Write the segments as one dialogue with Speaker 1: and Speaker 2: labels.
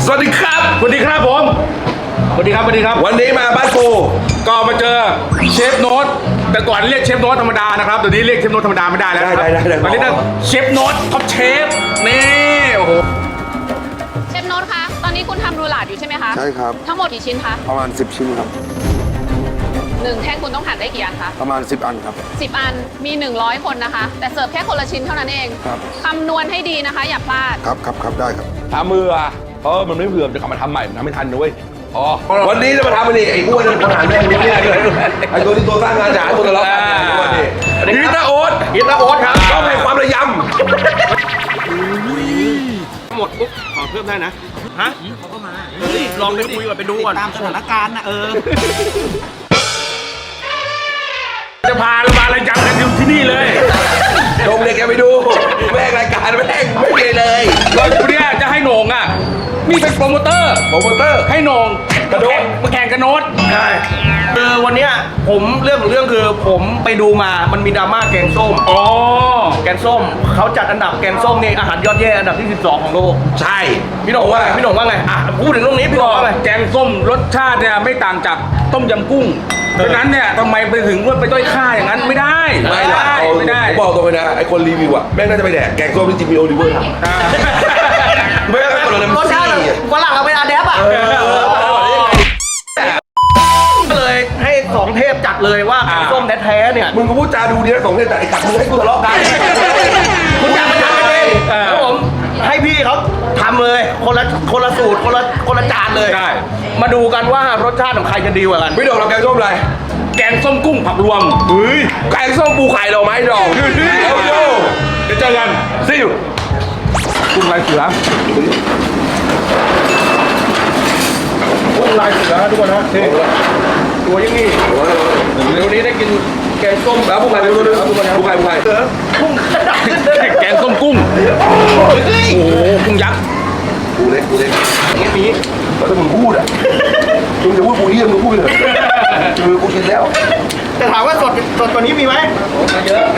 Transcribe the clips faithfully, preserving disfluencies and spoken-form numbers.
Speaker 1: สวัสดีครับ
Speaker 2: สวัสดีครับผมสวัสดีครับสวัสดีครับ
Speaker 1: วันนี้มาบ้านกู
Speaker 2: ก็มาเจอเชฟโน้ตแต่ก่อนเรียกเชฟโน้ตธรรมดานะครับเดี๋ยวนี้เรียกเชฟโน้ตธรรมดาไม่ได้แล้วได้ได้ได้ตอนนี้ต้องเชฟโน้ตท็อปเชฟนี่โอ้โห
Speaker 3: เชฟโน้ตคะตอนนี้คุณทำรูหลาดอยู่ใช่ไหมคะ
Speaker 4: ใช่ครับ
Speaker 3: ทั้งหมดกี่ชิ้นคะ
Speaker 4: ประมาณสิบชิ้นครับ
Speaker 3: หนึ่งแท่งคุณต้องหั่นได้กี่อันคะ
Speaker 4: ประมาณสิบอันครับ
Speaker 3: สิบอันมีหนึ่งร้อยคนนะคะแต่เสิร์ฟแค่คนละชิ้นเท่านั้นเอง
Speaker 4: ครับ
Speaker 3: คำนวณให้ดีนะคะอย่าพลาด
Speaker 4: ครับครับครับได้ครับ
Speaker 1: ทำมืออ่ะเพราะมันไม่เผื่อจะกลับมาทำใหม่มันทำไม่ทันด้วยอ๋อวันนี้จะมาทำอะไรไอ้อ้วนคนหาแม่งนี่ไอ้ตัวที่ตัวสร้างงานจ๋าตัวทะเลาะกันนี่ฮิตาโอ๊ต
Speaker 2: ฮิตาโอ๊ตครับ
Speaker 1: ต้องให้ความระยำ
Speaker 2: หมดปุ๊บขอเพิ่มได้นะฮะเขาก็มาลองไปคุยก่อนไปดูก่อน
Speaker 5: ตามสถานการณ์นะเออ
Speaker 2: จะพาเรามาอะไรยำกันอยู่ที่นี่เลย
Speaker 1: ลงเด็กแกไปดูแม่งรายการแม่งไม่มีเลย
Speaker 2: เราเนี้ยจะให้โหน่งอ่ะนี่เป็นโปรโมเตอร์
Speaker 1: โปรโมเตอร์
Speaker 2: ให้โหน่ง
Speaker 1: กระโดด
Speaker 2: มาแข่งกันโน้ต
Speaker 5: ใช่คือวันเนี้ยผมเรื่องของเรื่องคือผมไปดูมามันมีดราม่าแกงส้ม
Speaker 2: อ๋อ
Speaker 5: แกงส้มเขาจัดอันดับแกงส้มนี่อาหารยอดเยี่ยมอันดับที่สิบสองของโลก
Speaker 1: ใช่
Speaker 5: พี่หน่งว่าพี่หน่งว่าไงอ่ะพูดถึงเรื่องนี้พี่หน่งว่าไง
Speaker 2: แกงส้มรสชาติเนี่ยไม่ต่างจากต้มยำกุ้งดังนั้นเนี่ยทำไมไปถึงว่าไปด้อยค่าอย่างนั้นไม่ได้
Speaker 1: ไม่ได้ไม่ได้ผมบอกตรงเลยนะไอ้คนรีวิวอ่ะแม่งน่าจะไปแดกแกงส้มที่จิมมี่โอลิเวอร์ทำไม่ได้คนละน้ำซี่
Speaker 5: ฝรั่งเอาไปอาแดปอ่ะก็เลยให้สองเทพจัดเลยว่าแกงส้มแท้ๆเนี่ย
Speaker 1: มึงก็พูดจาดูดีนะสองเทพแต่ไอ้กัดมึงให้กูทะเลาะกัน
Speaker 5: คุณอยากมาทำเองครับผมให้พี่เขาทำเลยคนละคนละสูตรคนละคนละจานเลยมาดูกันว่ารสชาติของใครจะดีกว่ากัน
Speaker 1: พี่ดอกเราแกงส้มอะไร
Speaker 2: แกงส้มกุ้งผักรวม
Speaker 1: เฮ้ยแกงส้มปูไข่ดอกไม้ดอก
Speaker 2: เดี๋ยวเจอกัน
Speaker 1: ซิว
Speaker 2: กุ้งลายเสือกุ้งลายเสือทุกคนนะตัวยังนี่เดี๋ยวนี้ได้กินแกงส้ม
Speaker 1: แล้วปูไข่ปูไข่ปูไข่ปูไข่
Speaker 5: กุ้ง
Speaker 2: แกงส้มกุ้งโอ้โหกุ้งยักษ์
Speaker 1: ปูเล็กปูเล็ก
Speaker 5: อย่างนี้มี
Speaker 1: แล้วถ้ามึงพูดอ่ะมึงจะพูดปูนี่มึงพูดเลยคือกูกินแล้ว
Speaker 5: แต่ถามว่าสดสดกว่านี้มีไหมเยอะ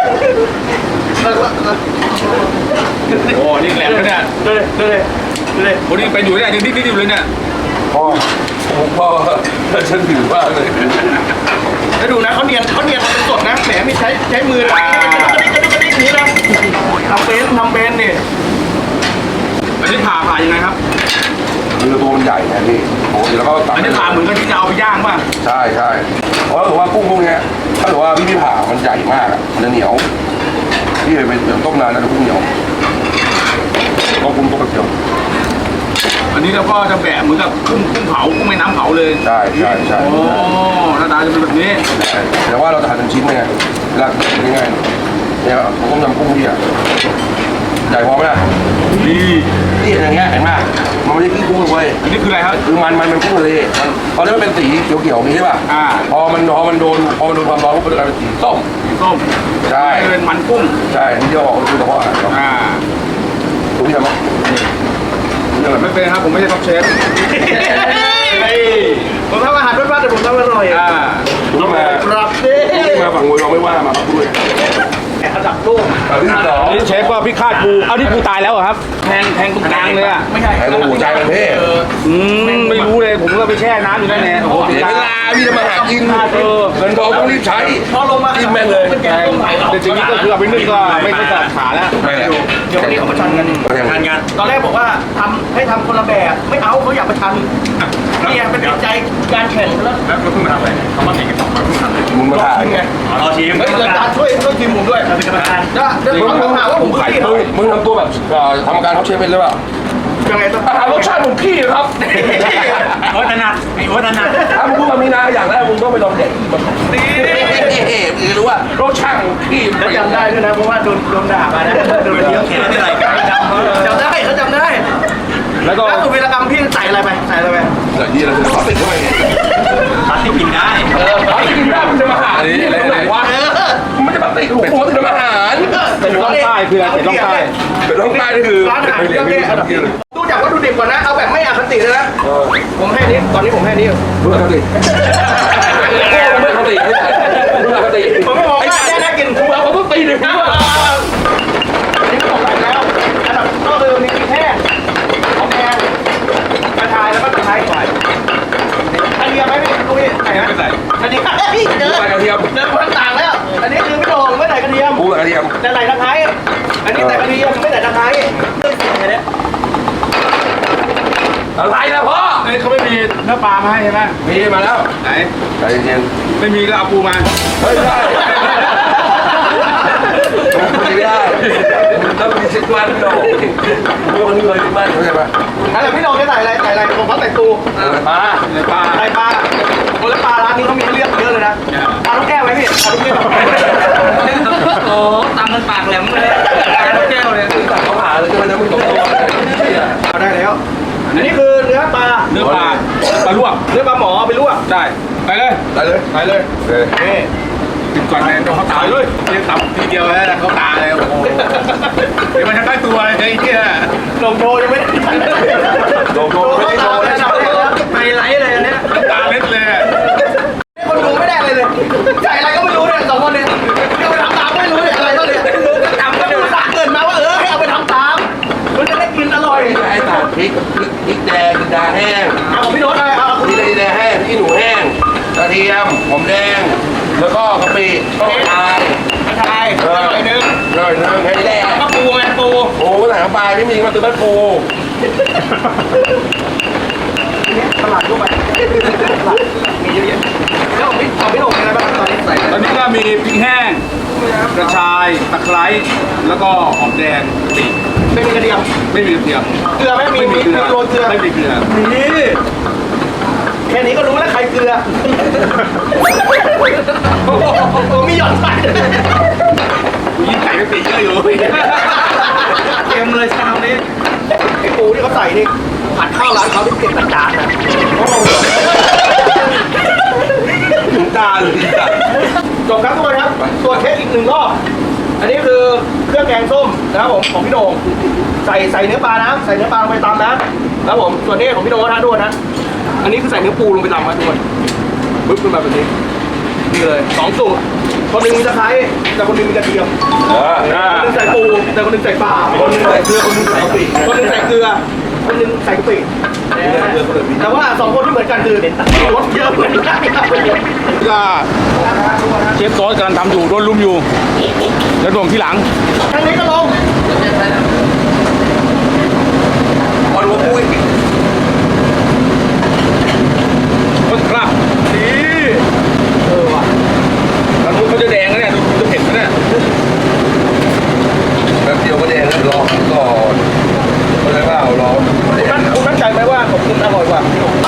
Speaker 2: โอ้นี่แหลมเลยเนี่ย
Speaker 5: เลยเลยเลย
Speaker 2: วันนี้ไปอยู่เนี่ยยังดิ้นดิ้นอยู่เลยเนี่ย
Speaker 1: พ่อพ่อฉันถือว่าเลย
Speaker 5: แล้วดูนะเขาเนียนเขาเนียนเป็นสดนะแหมไม่ใช้ใช้มือกระดิกกระดิกกระดิกกระดิกนี้นะทำเป็นทำเป็นนี่
Speaker 2: อันนี้ผ่าผ่ายังไงครับ
Speaker 1: คือตัวมันใหญ่นะพี่โอ้แล้วก็ตัด
Speaker 2: อันนี้ผ่าเหมือนกันที่จะเอาไปย่างป่ะ
Speaker 1: ใช่ใช่เพราะถือว่ากุ้งพวกนี้ถ้าถือว่าพี่พี่ผ่ามันใหญ่มากอ่ะมันจะเหนียวพี่เคยไปต้มนานแล้วกุ้งเหนียวก็กุ้งต้มกระเทียม
Speaker 2: อันนี้เราก็จะแบะเหมือนกับกุ้งกุ้งเผากุ้งแม่น้ำเผาเลย
Speaker 1: ใช่ใช่ใช่
Speaker 2: โอ้หน้าตาจะเป็นแบบนี้
Speaker 1: แต่ว่าเราจะหั่นเป็นชิ้นไงเวลาง่ายๆเนี่ยผมต้มยำกุ้งพี่อ่ะใหญ่พอไหมล่ะ
Speaker 2: นี่
Speaker 1: นี่อย่างเงี้ยเห็นไหมมันไม่ใช่ขี้กุ้งเลย
Speaker 2: อันนี้คืออะไรครับ
Speaker 1: คือมันมันเป็นกุ้งทะเลมันตอนนี้มันเป็นสีเขียวๆนี้ใช่ป่ะ
Speaker 2: อ่า
Speaker 1: พอมันพอมันโดนพอมันโดนความร้อนมันจะกลายเป็นสีส้ม
Speaker 2: สีส้ม
Speaker 1: ใช่
Speaker 2: เป็นมันกุ้ง
Speaker 1: ใช่นี่จะออกคือเฉพาะ
Speaker 2: อ่า
Speaker 1: ตรงนี้ทำไหม
Speaker 2: ไม่เป็นครับผมไม่ใช่ท็อปเชฟ
Speaker 5: ผมทำอาหารรสบ้านแต่ผมทำอร่อยอ่า
Speaker 1: ต้องมา
Speaker 5: ครับดิ
Speaker 1: มาฝั่งมวยเราไม่ว่ามาพักด้วย
Speaker 5: อันดับโลก
Speaker 1: อันที่สอง
Speaker 2: นี่เชฟก็พี่คาดปูเอาที่ปูตายแล้วเหรอครับแทงแทงตรงกลางเลยอ่ะ
Speaker 5: ไม่ใช่
Speaker 1: แทงตรงหัวใจมันเท่
Speaker 2: อืมไม่รู้เลยผมก็ไปแช่น้ำอยู่นั่นแหละโอ้โห
Speaker 1: เวลาพี่จะมาหากินเออเงินทองต้องรีบใช้
Speaker 5: พอลงมา
Speaker 1: กินแม่งเลย
Speaker 5: เป็นแกงต้มไข่
Speaker 2: เดี๋ยวทีนี้ก็คือเอาไปนึ่งก็ไม่ไม่ตัดขาแล้ว
Speaker 1: ไม่แล้ว
Speaker 5: เดี๋ยววันนี้เขามาชันกัน
Speaker 1: ชัน
Speaker 5: กันตอนแรกบอกว่าทำให้ทำคนละแบบไม่เอาเขาอยากมาชันนี่เป็นจิตใจการแข่งแล้ว
Speaker 2: แล้วก็เพิ่งมาทำอะไรเขามาแข่งกันสองคนเพิ่งทำเลย
Speaker 1: มึงมาถ่าย
Speaker 5: ไง
Speaker 2: เราทีม
Speaker 5: เฮ้ยอาจารย์ช่วยช่วยทีมผมด้วยเป็นกรรมการจะมึงมึงถามว่าผมขาย
Speaker 1: มึงมึงทำตัวแบบทำการท็อปเชฟเป็นหรือเปล่า
Speaker 5: ยังไงต้อง
Speaker 1: อาหารรสชาติของพี่ครับ
Speaker 2: โอ้ถนัดไอ้โอ้ถนัด
Speaker 1: ถ้ามึงพูดแบบนี้นะอย่างแรกมึงต้องไปลองเด็กนี่มึงรู้ว่ารสชาติของพี่
Speaker 5: เขาจำได้ด้วยนะเพราะว่าโดนโดนด่ามานะโดนเยอะแค่ไหนจำจำได้เขาจำได้แล้วก็สุวีรกรรมพี่ใส่อะไรไปใส่อะไรไป
Speaker 1: ใส่ยี่อะไรพลาสติกด้วย
Speaker 2: พลาสติกกินได้
Speaker 1: เออพลาสติกกินได้มันจะมาหาอะไรอะไรวะมันจะพลาสติกหัวถึงมาหาร
Speaker 2: เป็นร่องใต้คือเป็นร่องใต้
Speaker 1: เป็นร่องใต้นี่คือ
Speaker 5: ร้านอาหารเยอะแยะดูจากวัตถุดิบก่อนนะเอาแบบไม่อคติเลยนะผมให้นี้ตอนนี้ผมให้นี้
Speaker 1: รู้อคติไม่อคติรู้อคติ
Speaker 5: ผมไม่บอกว่าแค่น่ากิน
Speaker 1: ผมเอาเขาตีเลยผมว่า
Speaker 5: อันนี้ก็บอกไปแล้วอันดับก็คือมีแค่ของแพง
Speaker 1: อะไรนะพ่อ
Speaker 2: เฮ้ยเขาไม่มีเนื้อปลามาให้ใช่ไหม
Speaker 1: มีมาแล้ว
Speaker 2: ไหน
Speaker 1: ใจเย็น
Speaker 2: ไม่มีก็เอาปูมา
Speaker 1: เฮ้ยไม่ได้ไม่ได้มันต้องมีสิบวันพี่โดมันมีเลยสิบวันเข้าใจปะ
Speaker 5: อะไรพี่โดจะใส่อะไรใส่อะไรผมเขาใส่ตู
Speaker 2: ปลาในปลา
Speaker 5: ใส่ปลาคนละปลาร้านนี้เขามีให้เลือกเยอะเลยนะปลาลูกแก้วไหมพี่ปลาลูกแก้ว
Speaker 6: โอ้ตำมันปากแหลมเลยตาลูกแก้วเลย
Speaker 1: ตัดเขาหาเลยจะมันจะไม่ตกตัว
Speaker 5: เอาได้แล้วอันนี้คือเนื้อปลา
Speaker 2: เนื้อปลาปลาลวก
Speaker 5: เนื้อปลาหมอเอาไปลวก
Speaker 2: ได้ไปเลย
Speaker 1: ได้เลย
Speaker 2: ไปเลย
Speaker 1: เลย
Speaker 5: นี่
Speaker 2: กินก่อนเลยต้องเขาตายเลยเรียกตับทีเดียวแล้วเขาตายเลยโอ้โหเดี๋ยวมันจะได้ตัวเลยไอ้เหี้ย
Speaker 5: ลงโชว์ยังไม่ได้
Speaker 1: โดนโดนไม่ได้โดนเลย
Speaker 6: ไฮไลท์เลยอันเนี้ย
Speaker 2: ตาเล็ดเลย
Speaker 5: คนดูไม่ได้เลยเลยใส่อะไรก็ไม่รู้เนี่ยสองคนเนี่ยเอาไปทำตามไม่รู้เนี่ยอะไรก็เนี่ยไม่รู้ก็ทำก็ดูสาเกินมาว่าเออให้เอาไปทำตามมันจะได้กินอร่อย
Speaker 1: ไอ้ตัดพริกพริกพริกแดงดาแห้ง
Speaker 5: เอาของพี่โน้ตเลยเอา
Speaker 1: พริกแดงแห้งพริกหนูแห้งกระเทียมหอมแดงแล้วก็กะปิต้นทาย
Speaker 5: กระชาย
Speaker 1: เอ
Speaker 5: อ
Speaker 1: อ
Speaker 5: ร่อยนึง
Speaker 1: หน่อยนึงให้แดง
Speaker 5: แล้วก็ปูไงปู
Speaker 1: โอ้ไหนเข้าไปไม่มีมาตื้อบ้านปู
Speaker 5: ตลาดทั่วไปตลาดมีเยอะแยะแล้วของพี่ของพี่โน้ตมีอะไรบ้างตอนนี้ใส่
Speaker 2: ตอนนี้ก็มีพริกแห้งกระชายตะไคร้แล้วก็หอมแดงปีก
Speaker 5: ไม่มีกระเทียม
Speaker 2: ไม่มีกระเทียม
Speaker 5: เกลือไหมมี
Speaker 2: ไม่มี
Speaker 5: มี
Speaker 2: เกลือ
Speaker 5: โรยเกลือ
Speaker 2: ไม่มีเกลือ
Speaker 5: นี่แค่นี้ก็รู้แล้วใครเกลือโอ้โหมีหยอดใส่
Speaker 2: กูยิ่งใส่ไม่ปีเยอะอยู่
Speaker 6: เต็มเลยชามนี้
Speaker 5: ไอ้ปูที่เขาใส่นี่ผัดข้าวร้านเขาที่เก็บจานนะ
Speaker 1: ถึงตาเลยจ้ะ
Speaker 5: จบครับทุกคนครับตัวจเทสอีกหนึ่งรอบ อันนี้คือเครื่องแกงส้มนะครับผมของพี่โด่งใส่ใส่เนื้อปลานะใส่เนื้อปลาลงไปตำนะครับผมส่วนนี้ของพี่โด่งนะด้วยนะอันนี้คือใส่เนื้อปูลงไปตำนะทุกคนปึ๊บขึ้นมาแบบนี้นี่เลยสองสูตรคนหนึ่งมีตะไคร้แต่คนหนึ่งมีกระเทียม
Speaker 1: เออ
Speaker 5: คนหนึ่งใส่ปูแต่คนหนึ่งใส่ปลา
Speaker 1: คนนึงใส่เกลือคนนึงใส่กะปิ
Speaker 5: คนหนึ่งใส่เกลือคนหนึ่งใส่กะปิแต่ว่าสองคนที่เหมือนกันคือรสเยอะเหมือนกันครับ
Speaker 2: ก็เชฟโต๊ดกำลังทำอยู่โดนลุมอยู่แล้วรวมที่หลัง
Speaker 5: ทางนี้ก็ลง
Speaker 1: พอดูว่าปุ้ย
Speaker 2: ต้นครับนี่เออว่ะแล้วนู้นเขาจะแดงนะเนี่ยดูจะเผ็ดนะเนี่ย
Speaker 1: แบบเดียวก็แดงแล้วรอก่อนเข้าใจเปล่ารอ
Speaker 5: คุณมั่นคุณมั่นใจไหมว่าผมกินอร่อยกว่าพี่หนุ่ม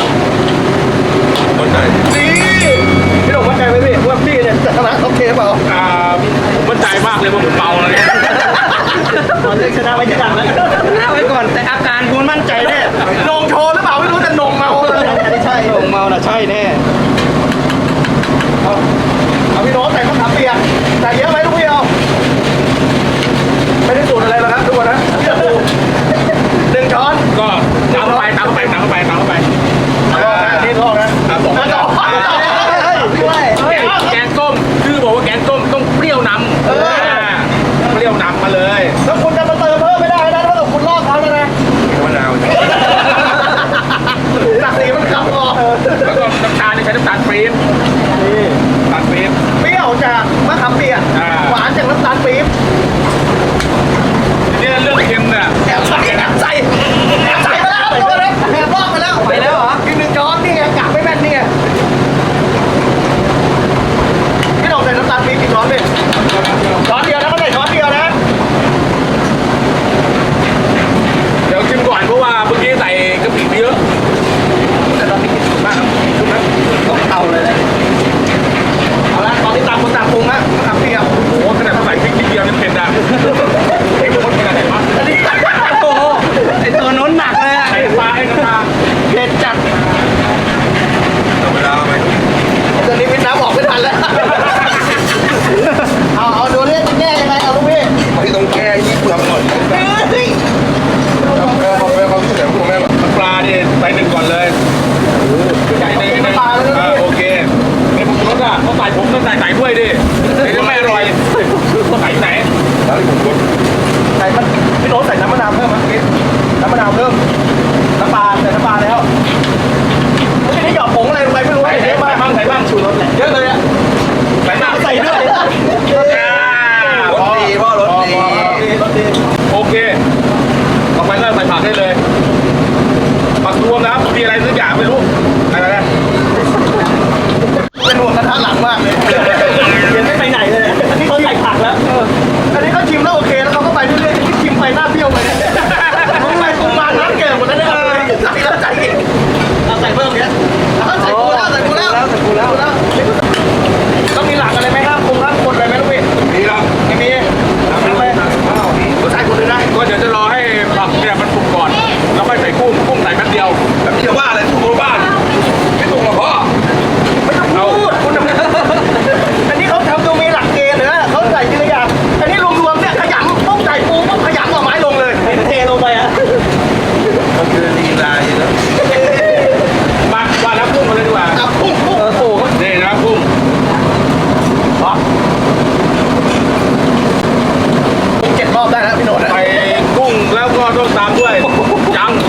Speaker 1: คนไหน
Speaker 5: นี่พี่หนุ่มมั่นใจไหมพี่ว่าพี่เนี่ยจะชนะท็อปเคเปล่า
Speaker 2: อ่าผมมั่นใจมากเลยว่าผมเมาเลยเนี่ย
Speaker 5: ตอนนี้ชนะไว้ที่ดังแล้ว
Speaker 6: หน้าไว้ก่อนแต่อาการคุณมั่นใจแน่
Speaker 5: นงโชว์หรือเปล่าไม่รู้แต่นงเมาเลยอันนี้ใช่นงเมาน่ะใช่แน่เอาเอาพี่โน้ตใส่มะขามเปียกใส่เยอะไหมลูกพี่เอาไม่ได้สูตรอะไรหรอกครับทุกคนนะเชื่อปูหนึ่งช้อน
Speaker 2: ก็ตามเข้าไปตามเข้าไปตามเข้าไปตามเข้าไป
Speaker 5: นี่ทอดนะ
Speaker 2: ตามสอง
Speaker 5: ต่อไปด้วย
Speaker 2: แกงแกงส้มคือบอกว่าแกงส้มต้องเปรี้ยวนำเออเปรี้ยวนำมาเลย
Speaker 5: แล้วคุณจะมาเติมเพิ่มไม่ได้นะถ้าเกิดคุณลอกเขาแล้วนะ
Speaker 1: มะนาว
Speaker 5: หนักสีมันขับออก
Speaker 2: แล้วก็น้ำตาลนี่ใช้น้ำตาลปี๊บน้ำตาลปี๊บ
Speaker 5: เปรี้ยวจากมะขามเปียก
Speaker 2: อ่า
Speaker 5: หวานจากน้ำตาลปี๊บ
Speaker 2: ทีนี้เรื่องเค็มเนี่ย
Speaker 5: แอบใส่แอบใส่แอบใส่ไปแล้วแอบลอกไปแล้ว
Speaker 6: ไปแล้วเหรอ
Speaker 5: อีกหนึ่งช้อนนี่ไงกะไม่แม่นนี่ไงพี่หน่องใส่น้ำตาลปี๊บกี่ช้อนพี่ช้อนเดียวนะเขาใส่ช้อนเดียวนะ
Speaker 2: ส่แป๊บเดียว
Speaker 1: แบบนี้จะว่าอะไรถูกบ้านไม่ถูกหรอกพ่อ
Speaker 5: ไม่ต้องพูดคุณอันนี้เขาทำดูมีหลักเกณฑ์นะเขาใส่ทีละอย่างอันนี้รวมๆเนี่ยขยำปุ๊บใส่ปูปุ๊บขยำหน่อไม้ลงเลยเทลงไปอ่ะ
Speaker 1: มันคือลีลาอยู่แล้ว
Speaker 2: มาว่าน้ำกุ้งมาเลยดีกว่า
Speaker 5: อ่ะปุ๊บปุ๊บโอ้โห
Speaker 2: นี่น้ำกุ้ง
Speaker 5: เจ็ดรอบได้แล้วพี่โนด
Speaker 2: ใส่กุ้งแล้วก็ต้องตามด้วยจัง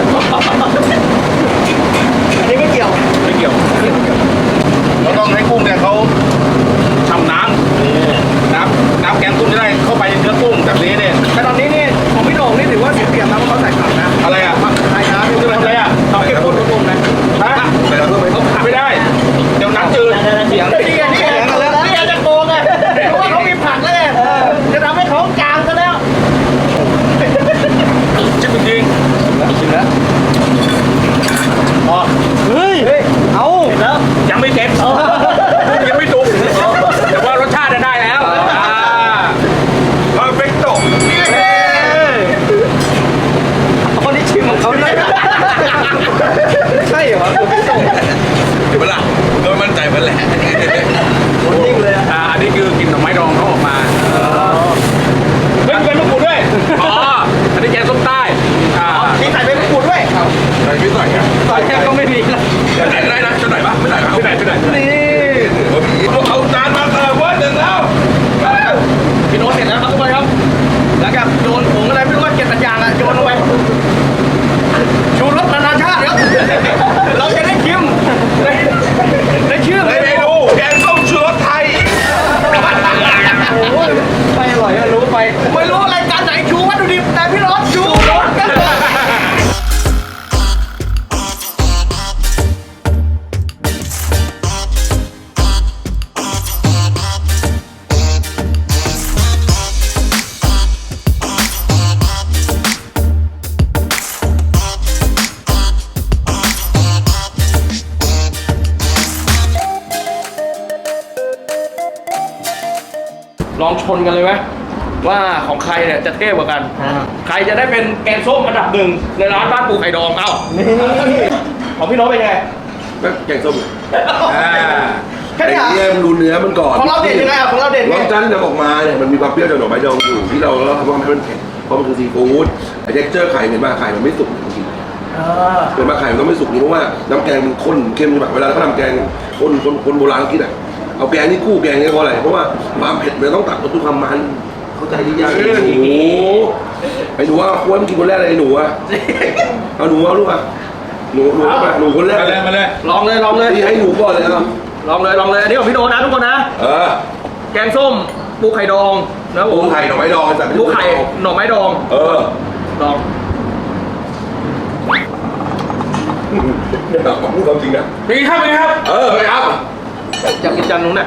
Speaker 5: อันนี้ไม่เกี่ยว
Speaker 2: ไม่เกี่ยวเราต้องให้กุ้งเนี่ยเขาฉ่ำน้ำน้ำน้ำแกงกุ้งจะได้เข้าไปในเนื้อกุ้งแบบนี้เนี่ย
Speaker 5: แต่ตอนนี้นี่ของพี่โหน่งนี่ถือว่าเสียเปรียบนะเพราะเขาใส่ผักนะ
Speaker 2: อะไรอ่ะ
Speaker 5: ใช่ครับพี่
Speaker 2: จะทำอะไรอ่ะ
Speaker 5: เอาเก็บพูดตรงๆนะ
Speaker 2: ฮะ
Speaker 1: ไปแล้วเพื่อนไป
Speaker 2: เขาขาดไม่ได้ เดี๋ยวน้ำจืด
Speaker 5: เสียงนี่ไงนี่ไงนี่ไงจะโกงไงเพราะว่าเขามีผักแล้วไงจะทำให้เขาจางซะแล้ว
Speaker 2: ชิมจริง
Speaker 5: ชิมแล้วอ๋อเฮ้ยเอาแล้ว
Speaker 2: ๆยังไม่เต็มยังไม่สุกแต่ว่ารสชาติได้แล้วอ่า
Speaker 1: เพอร์เฟกโต
Speaker 5: คนนี้ชิมของเขาได้ใช่เหรอ
Speaker 1: เดี๋ยวเวลาโดนมั่นใจมันแหละ
Speaker 5: นิ่งเลย
Speaker 2: อ่าอันนี้คือกลิ่นหน่อไม้ดองเขาออกมาเฮ้ยเป็นมะกรูดด้วยอ๋ออันนี้แกงส้มใต้อ่า
Speaker 5: มีใส่ใบมะกรูดด้วย
Speaker 1: ใส่ไม่ใส่อะ
Speaker 5: ใส่แค่ก็ไม่มีแล้ว
Speaker 1: จะไหนก็ได้นะจะไหนปะไม่ไหนปะ
Speaker 2: ที่ไหนที่ไหน
Speaker 5: นี่
Speaker 1: เอาจานมาเสิร์ฟเว้ยเสร็จแล้ว
Speaker 5: พี่โน้ตเสร็จแล้วครับทุกคนครับหลังจากโยนผงอะไรไม่รู้ว่าเจ็ดสัญญาณอะโยนลงไปชูรสนานาชาติครับเราจะได้ชิมได้ชื่อ
Speaker 1: ใน
Speaker 5: เลย
Speaker 1: เมนูแกงส้มชูรสไทย
Speaker 5: โอ้ยไม่อร่อยก็รู้ไปไม่รู้รายการไหนชูวัตถุดิบแต่พี่โน้ตชูรสกัน ลองชนกันเลยไหมว่าของใครเนี่ยจะเท่กว่ากัน ใครจะได้เป็นแกงส้มอันดับหนึ่งในร้านบ้านปูไข่ดองเอ้าของพี่โน้ตเป็นไง
Speaker 1: แกงส้ม
Speaker 2: อ่า
Speaker 5: แค่
Speaker 1: ไอ้
Speaker 5: นี้เหรอ
Speaker 1: เนี่ยมันดูเนื้อมันก่อน
Speaker 5: ของเราเด่นยังไงอ่ะของเราเด่น
Speaker 1: ร
Speaker 5: ไง
Speaker 1: สชาติที่นำออกมาเนี่ยมันมีความเปรี้ยวจากหน่อไม้ดองอยู่ที่เราเราทำให้มันเผ็ดเพราะมันคือซีฟู้ดไอ้เท็กเจอร์ไข่เห็นมาไข่มันไม่สุกจริงๆเห็นมาไข่มันต้องไม่สุกนี่เพราะว่าน้ำแกงมันข้นเค็มแบบเวลาเขาทำแกงคนคนคนโบราณเขาคิดอ่ะเอาแกงนี่คู่แกงนี่เพราะอะไรเพราะว่าความเผ็ดมันต้องตัดกับทุกความมันเข้าใจดีอย่างโอ้โหไอ้หนูว่าควรกินคนแรกเลยไอ้หนูอ่ะเอาหนูเอาลูกอ่ะหนูหนูมาหนูคนแรก
Speaker 2: มาเลยมาเลย
Speaker 5: ลองเลยลองเลย
Speaker 1: ที่ให้หนูก่อนเลยครับ
Speaker 5: ลองเลยลองเลยอันนี้ของพี่โน้ตนะทุกคนนะ
Speaker 1: เออ
Speaker 5: แกงส้มปูไข่ดองนะผ
Speaker 1: ปู
Speaker 5: ม
Speaker 1: ไข่หน่อไม้ดองแต่
Speaker 5: ปูไข่หน่อไม้ดอง
Speaker 1: เออ
Speaker 5: ลอง
Speaker 1: เนี่ยแบบพูดความจริงนะ
Speaker 2: เป็นไงครับเป็นไงครับ
Speaker 1: เออไปครับ
Speaker 5: อยากกินจานนู้นน่ะ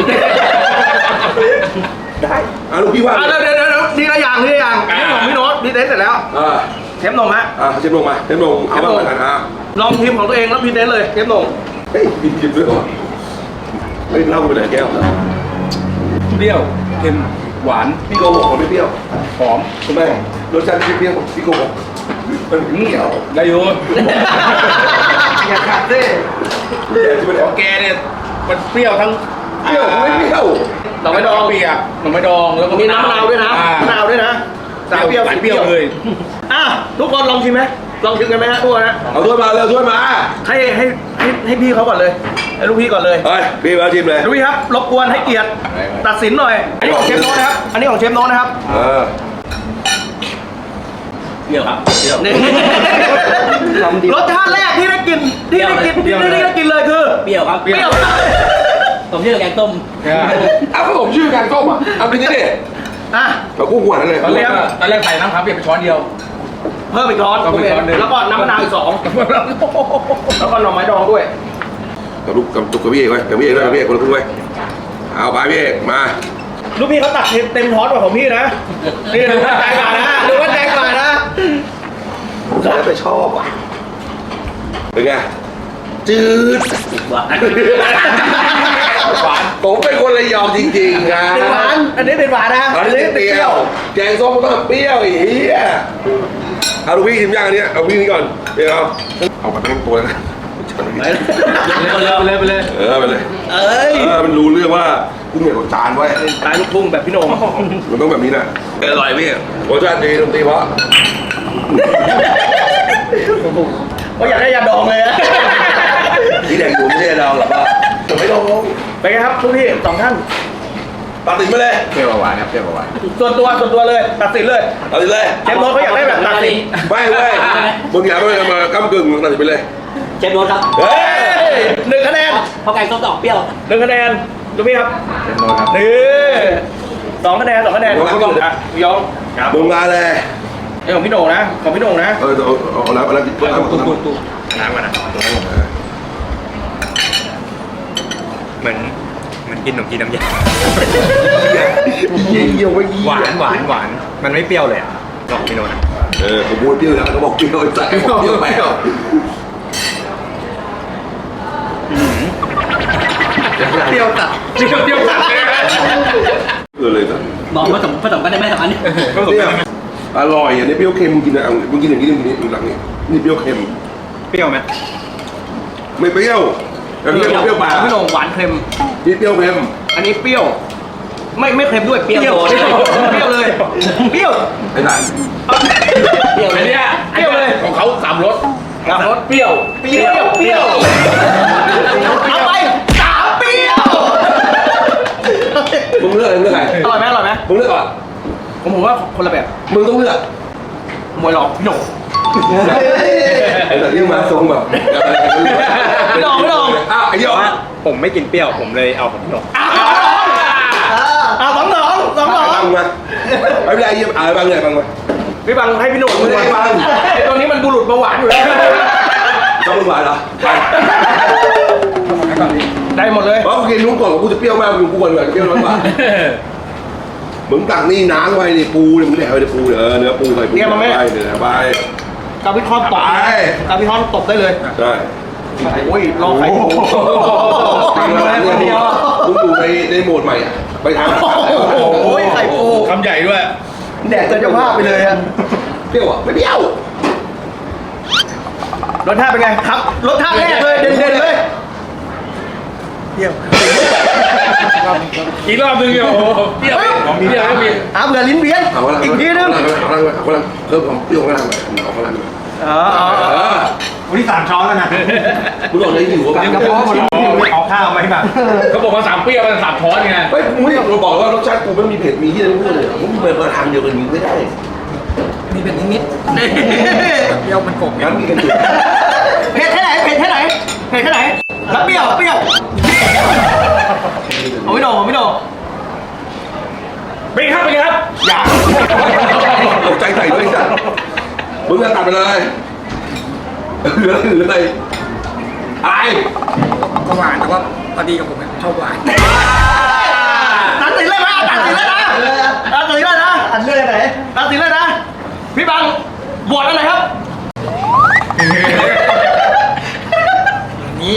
Speaker 1: ได้อ่ะลูกพี่ว่า
Speaker 5: อ่ะเดี๋ยวเดี๋ยวเดี๋ยวดีละอย่างดีละอย่างอันนี้ของพี่โน้ตดีเทสเสร็จแล้ว
Speaker 1: อ่า
Speaker 5: เทปนงฮะ
Speaker 1: อ่าเชฟลงมาเชฟลงเอาบ้างกันอ่ะ
Speaker 5: ลองทีมของตัวเองแล้วพรีเซนต์เลยเทปนง
Speaker 1: เฮ้ยมีจิบด้วยเหรอเฮ้ยเหล่าไปไหนแก้ว
Speaker 2: เปรี้ยวเค็มหวาน
Speaker 1: พี่โกหกมันไม่เปรี้ยว
Speaker 2: หอม
Speaker 1: ทำไมรสชาติไม่เปรี้ยวพี่โกหกมันเปรี้ยว
Speaker 2: ได้อยู่
Speaker 5: อย่าขาดสิ
Speaker 1: เปรี้ยวที่มัน
Speaker 2: แกเนี่ยมันเปรี้ยวทั้ง
Speaker 1: เปรี้ยวไม่เปรี้ยว
Speaker 5: หน่อไม้ดอง
Speaker 2: เปียกหน่อไม้ดองแล้วก็
Speaker 5: มีน้ำมะนาวด้วยนะ
Speaker 2: อ่
Speaker 5: มะนาวด้วยนะสายเปรี้ยว
Speaker 2: สายเปรี้ยวเลย
Speaker 5: อ่ะทุกคนลองชิมไหมลองชิมกันไหมฮะทุกคนนะ
Speaker 1: เอาถ้วยมาเร็วถ้วยมา
Speaker 5: ให้ให้ให้ให้พี่เขาก่อนเลยให้ลูกพี่ก่อนเลย
Speaker 1: เฮ้ยพี่มาชิมเลย
Speaker 5: ลูกพี่ครับรบกวนให้เกียรติตัดสินหน่อยอันนี้ของเชฟโน้ตนะครับอันนี้ของเชฟโน้ตนะครับ
Speaker 1: เออ
Speaker 2: เปรี้ยวครับเปรี้ยว
Speaker 5: นี่รสชาติแรกที่ได้กินที่ได้กินที่ได้ได้กินเลยคือ
Speaker 6: เปรี้ยวครับ
Speaker 5: เปรี้ยว
Speaker 6: ผมชื่อแกงต้ม
Speaker 1: เอาขนมชื่อแกงส้มอ่ะเอาไปนี่ดิ
Speaker 5: อ่ะ
Speaker 1: เขากู้หัวนั่นเลย
Speaker 2: ตอนแรกตอนแรกใส่น้ำขาวเปียกไปช้อนเดียว
Speaker 5: เพิ่มอีกร้อน
Speaker 2: เพิ่มอีกช้อนหนึ่ง
Speaker 5: แล้วก็น้ำมะนาวอีกสองแล้วก็หน่อไม้ดองด้วย
Speaker 1: กับลูกกับตุกกับพี่เอกไว้กับพี่เอกด้วยกับพี่เอกคนละครึ่งไว้เอาไปพี่เอกมา
Speaker 5: ลูกพี่เขาตัดเต็มช้อนกว่าของพี่นะนี่ดูว่าใจกว่านะดูว่าใจกว่านะ
Speaker 1: แล้วไปชอบอ่ะเป็นไงจืด
Speaker 6: หวาน
Speaker 1: หวานผมเป็นคนระยองจริงๆครับ
Speaker 5: เป็นหวานอันนี้เป็นหวานนะ
Speaker 1: อันนี้เปรี้ยวแกงส้มก็ต้องเปรี้ยวอีกเหี้ยเอาลูกพี่ชิมย่างอันเนี้ยเอาพี่นี่ก่อนเดี๋ยวเอาเอามาตั้งตัวแล้วนะ
Speaker 6: ไปเลยไปเลย
Speaker 1: เออไปเลย
Speaker 5: เอ้ย
Speaker 1: เออมันรู้เรื่องว่ากุ้งเหนียวกับจานไว้
Speaker 5: ตายลูกทุ่งแบบพี่โหนง
Speaker 1: มันต้องแบบนี้นะอร่อยพี่รสชาติดีดนตรีเพราะ
Speaker 5: ก็อยากได้ยาดองเลยอะ
Speaker 1: ที่แดงดูไม่ใช่เราหรอกว่าจะไม่ลง
Speaker 5: ไปไงครับทุกพี่สองท่าน
Speaker 1: ตัดสินไปเลย
Speaker 2: เปรี้ยวหวานครับเปรี้ยวหวาน
Speaker 5: ส่วนตัวส่วนตัวเลยตัดสินเลย
Speaker 1: ตัดสินเลย
Speaker 5: เชฟโน้ตเขาอยากได้แบบตัดสิน
Speaker 1: ไม่ไม่มึงอย่าไปมาก้ำกึ่งมึงตัดสินไปเลย
Speaker 6: เชฟโน้ตครับ
Speaker 1: เฮ้
Speaker 5: เฮ้
Speaker 1: ย
Speaker 5: ยหนึ่งคะแนน
Speaker 6: เพราะแกงส้มดอกเปรี้ยว
Speaker 5: หนึ่งคะแนนดูพี่ครับ
Speaker 2: เชฟโน้ตครับ
Speaker 5: นี่สองคะแนนสองคะแนนของพี่โหนงอ่ะพี่ยอง
Speaker 1: มึงมาเลย
Speaker 5: ไอ้ของพี่โหนงนะของพี่โหนงนะ
Speaker 1: เออเอาเอาเอาแล้วเอาแล้วเพื่อนเอา
Speaker 2: ตุ๊
Speaker 1: เอา
Speaker 2: บตุ๊บตุ๊บน้ำก่อนนะเหมือนเหมือนกินขนมจีนน้ำยา
Speaker 1: เยี่ยวไม่เยี่
Speaker 2: หวานหวานหวานมันไม่เปรี้ยวเลยอ่ะลองพี่โน้ตนะ
Speaker 1: เออผมพูดเปรี้ยวแล้วก็บอกเปรี้ยวใส่บอกเปรี้ยวไปอ่ะ
Speaker 2: เปรี้ยวตัดเปรี้ยวเปรี้ยวตัดเลยนะ
Speaker 1: เออเลยสั
Speaker 6: บอกผสมผสมกันได้ไหมสองอันนี้
Speaker 1: เนี่ยอร่อยอ่ะนี่เปรี้ยวเค็มมึงกินอ่ะมึงกินอย่างนี้มึงกินอย่างนี้หลังนี้นี่เปรี้ยวเค็ม
Speaker 2: เปรี้ยวไหม
Speaker 1: ไม่เปรี้ยวแต่เปรี้ยวเปรี้ยวปลา
Speaker 5: พี่โหนงหวานเค็ม
Speaker 1: นี่เปรี้ยวเค็ม
Speaker 5: อันนี้เปรี้ยว ไม่ไม่เค็มด้วยเปรี้ยว
Speaker 6: เปรี้ยว
Speaker 5: เปรี้ยวเปรี้ยวเลยเปรี้ยว
Speaker 1: ไอ้สัน
Speaker 6: เปรี้ยว
Speaker 2: อันเนี้ย
Speaker 5: เปรี้ยวเลย
Speaker 2: ของเขาสามรส
Speaker 5: สามรสเปรี้ยวเปรี้ยวเปรี้ยวเอาไปสามเปรี้ยว
Speaker 1: มึงเลือกอะไรมึงเลือกใคร
Speaker 5: อร่อยไหมอร่อยไหม
Speaker 1: มึงเลือกก่อน
Speaker 5: ผมผมว่าคนละแบบ
Speaker 1: มึงต้องเลือก
Speaker 5: มวยหลอกพี่โหนง
Speaker 1: ไอ้สันที่มาทรงแบบ
Speaker 5: ไม่ลองไม่ลอง
Speaker 1: อ้าวไอ้ยอ
Speaker 2: ผมไม่กินเปรี้ยวผมเลยเอาของพี่โน้ต
Speaker 5: อ่าสองสองสองสอง
Speaker 1: บังมาไม่เป็นไรเยี่ยมอ่าบังเลยบังมา
Speaker 5: พี่บังให้พี่โหนง
Speaker 1: ไม่ได้บัง
Speaker 5: ไอ้ตัวนี้มันบุรุษเบาหวานอยู่แล้ว
Speaker 1: ต้องมึงหวานเหรอ
Speaker 5: ได้หมดเลย
Speaker 1: เพราะกูกินนู้นก่อนกูจะเปรี้ยวมากกูกูก่อนก่อนเปรี้ยวน้อยกว่ามึงตักนี่น้ำไว้ในปูเนี่ยมึงแดกไว้ในปูเนี่ยเออเนื้อปูใส่ปูไปเนื้อไป
Speaker 5: กาพิทอนตบ
Speaker 1: ไป
Speaker 5: กาพิทอนตบได้เลย
Speaker 1: ใช่
Speaker 5: โอ้ยลองไข่ปู
Speaker 1: ตังค์แล้วเนี่ยมึงอยู่ในในโหมดใหม่อ่ะไปทำ
Speaker 5: โอ้ยไข่ปู
Speaker 2: คำใหญ่ด้วย
Speaker 5: แดกจนจะว่าไปเลยอะ
Speaker 1: เปรี้ยวอ่ะไม่เปรี้ยว
Speaker 5: รสชาติเป็นไงครับรสชาติแรกเลยเด่นๆเลย
Speaker 2: อีกรอบนึงเนี่ยโอ้โหเปรี้ยวของมีเปรี้ยวก็มี
Speaker 5: อ่ะเผื่อลิ้นเบี้ยน
Speaker 1: เอาพลัง
Speaker 5: อีกทีนึง
Speaker 1: เอาพลังเอาพลังเพิ่มความเปรี้ยวข้างล่างหน่อยเอาพลัง
Speaker 5: อ๋ออ๋อ
Speaker 1: เออ
Speaker 2: วันนี้สามช้อนแล้วนะ
Speaker 1: มึงบอกเลยหิวป่ะ
Speaker 2: กระเพาะหมดแล้วเอาข้าวไหมแบบเขาบอกว่าสามเปรี้ยวมันสามช้อนไง
Speaker 1: เฮ้ยมึงไม่เราบอกว่ารสชาติกูไม่มีเผ็ดมีที่อะไรไม่พูดเลยมึงเปิดมาทางเดียวกันมึงไม่ได้
Speaker 6: มีเป็นนิดๆเปรี้ยวมันกบ
Speaker 1: งั้นมีกันจุด
Speaker 5: เผ็ดแค่ไหนเผ็ดแค่ไหนเผ็ดแค่ไหนแล้วเปรี้ยวเปรี้ยวเอาไม่โดนเอาไม่โดน
Speaker 2: เป็นไงครับเป็นไงครับ
Speaker 5: อย่า
Speaker 1: ตกใจใส่ด้วยจ้ะมึงจะตัดไปเลยเหลือเหลืออะไรอะไร
Speaker 6: หวานแต่ว่าพอดีกับผมชอบหวาน
Speaker 5: ตัดสินเลยนะตัดสินเลยนะตัดสินเลยนะตัดสินเลยไหนตัดสินเลยนะพี่บังบวชอะไรครับ
Speaker 6: นี้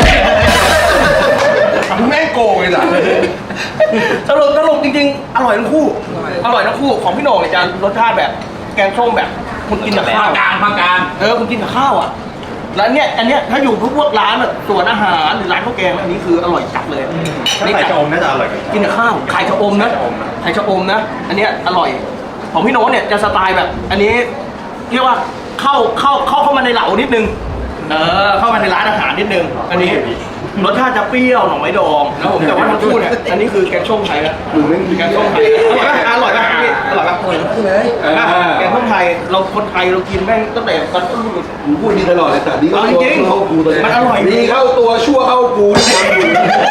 Speaker 1: มึงแม่งโกงเลยจ้ะ
Speaker 5: สรุปสรุปจริงๆ อร่อยทั้งคู่ อร่อยทั้งคู่ของพี่โหน่งเนี่ยจะรสชาติแบบแกงส้มแบบคุณกินกับข้าว
Speaker 6: กลางภาคกลาง
Speaker 5: เออคุณกินกับข้าวอ่ะแล้วเนี่ยอันเนี้ยถ้าอยู่พวกร้านแบบสวนอาหารหรือร้านข้าวแกงอันนี้คืออร่อยจัดเลย
Speaker 2: ถ้าใส่ชะอมน่าจะอร่อยกว่า
Speaker 5: กินกับข้าวไข่ชะอมนะไข่ชะอมนะ อันเนี้ยอร่อย ของพี่โน้ตเนี่ยจะสไตล์แบบ อันนี้เรียกว่าเข้าเข้าเข้าเข้ามาในเหลานิดนึง เออเข้ามาในร้านอาหารนิดนึง อันนี้รสชาติจะเปรี้ยวหน่อไม้ดองนะผมแต่ว่าทั้งคู่เนี่ยอันนี้คือแกงส้มไทยนะ
Speaker 1: มึงแม่ง
Speaker 5: แกงส้มไทยอร่อยไหมอร่อยไหมพี่อร่อยไหมอร่อยทั้งคู่เลยแกงส้มไทยเราคนไทยเรากินแม่งตั้งแต่ตอนต้น
Speaker 1: มึงพูดดีตลอดเลยแต่ดีเข้า
Speaker 5: เอาจ
Speaker 1: ตัว
Speaker 5: ริง
Speaker 1: เข้ากูตัว
Speaker 5: มันอร่อย
Speaker 1: ดีเข้าตัวชั่วเข้ากูที่ทำอยู่